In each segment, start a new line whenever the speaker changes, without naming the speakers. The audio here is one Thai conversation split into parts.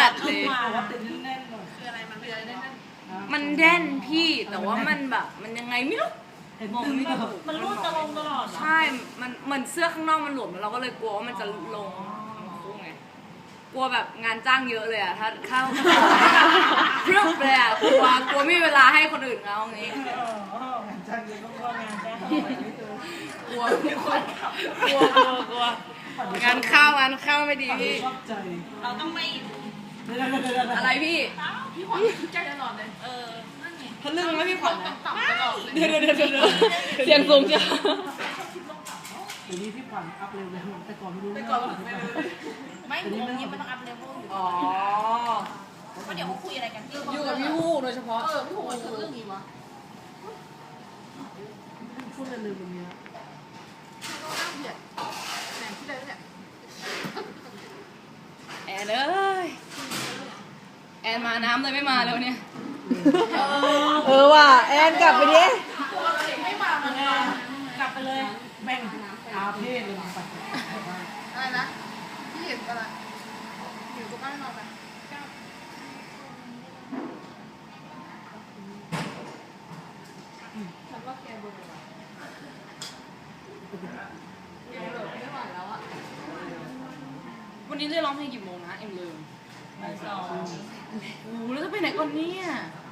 จัดเลย
ว่าติดแน่นๆหน่อย
คืออะไรมันคืออะไรนั่น
มันแน่นพี่แต่ว่ามันแบบมันยังไงไม่รู้
เห็น
มอง
ตึง
ไม่
ก็
ถูก
มันรูดจะลงตลอดเหรอ
ใช่มันเหมือนเสื้อข้างนอกมันหลวมแล้วเราก็เลยกลัวว่ามันจะลงคู่ไงกลัวแบบงานจ้างเยอะเลยอะถ้าเข้าเรื่องเลยอะกลัวไม่มีเวลาให้คนอื่นเขาอย่างงี้
งานจ้างเยอะก็ว่างานจ้าง
กลัวงานเข้าไม่ดีพี่
ชอบใจ
เราต้องไม่
อะไรพี่
พี่ขวัญใจตลอดเลยนั่นไง
ทะลึ่งไหมพี่ขวัญนะ
ต่ำตลอดเลย
เดี๋ยวเสียงสูงจ้ะ
เดี๋ยวนี้พี่ขวัญอัพเร็วเลยแต่ก่อนไม่รู้
ไม่วงนี้มันต้องอัพเลเวลอยู่
อ๋อ
เพราะเดี๋ยวเขาคุยอะไรกัน
อยู่กับพี่ฮู้โดยเฉพาะ
พี่หัวถึงเรื่องนี้วะ
พูดเร็วๆแบบนี้
ก็น่าเบียดแหนที่ใดเนี่ย
แอนเอ้ยแอนมาน้ำเลยไม่มาแล้วเนี่ย
ว่ะแอนกลับไปดิ
ไม่มามันกลับไปเลย
แม่งอาเพศเลยไป
อะไรนะพี่เห็นอะไรอยู่กับบ้านนอนไปฉันว่าแกเบื่อไม่ไหวแล้วอ่ะ
วันนี้ได้ร้องเพลงกี่โมงนะเอ็มลืม
สอง
โอ้โหแล้วจะไปไหนก่อนเนี่ย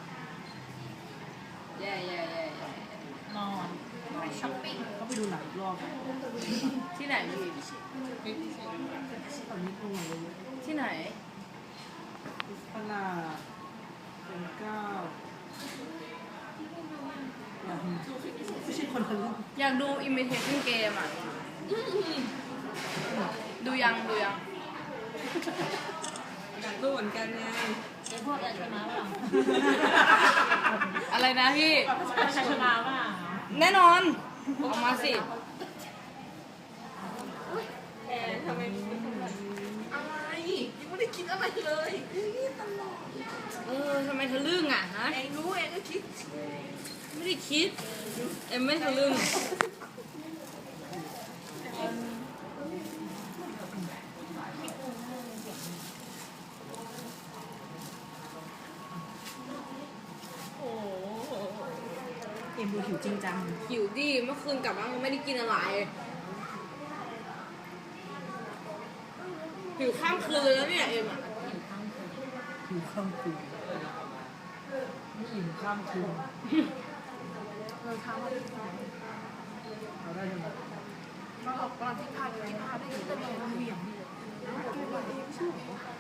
แย่
นอนไปช้อปปิ้ง
เขาไปดูหนังรอบ
ที่ไหนพี่
ตอนนี้ตรงไหนเลย
ที่ไหน
พนาเป็นเก้าไม่ใช่คนทะลึ่ง
อยากดู imitation game อ่ะ ดูยัง
อยากดูเหมือนกันไง
ไอ้พวกอะไรชนะป่ะ
อะไรนะพี่
ชนะป่ะ
แน่นอนออกมาสิ
ทำไม
อะไรยังไม่ได้คิดอะไรเลยตลอด
ทำไมทะลึ่งอ่ะฮะ
เองรู้เองก็คิด
ไม่ได้คิด เอ็มไม่ทะลึ่ง
เอ็มดูหิวจริงจัง
หิวดิเมื่อคืนกลับมาไม่ได้กินอะไรหิวข้ามคืนเลยแล้วเนี่ยเอ็มอ่ะ
หิวข้ามคืนไม่หิวข้ามคืน
เราทำอะไร
เราได้ยังไง
เราออกกำลังที่พาได้อยู่แต่เราเหวี่ยง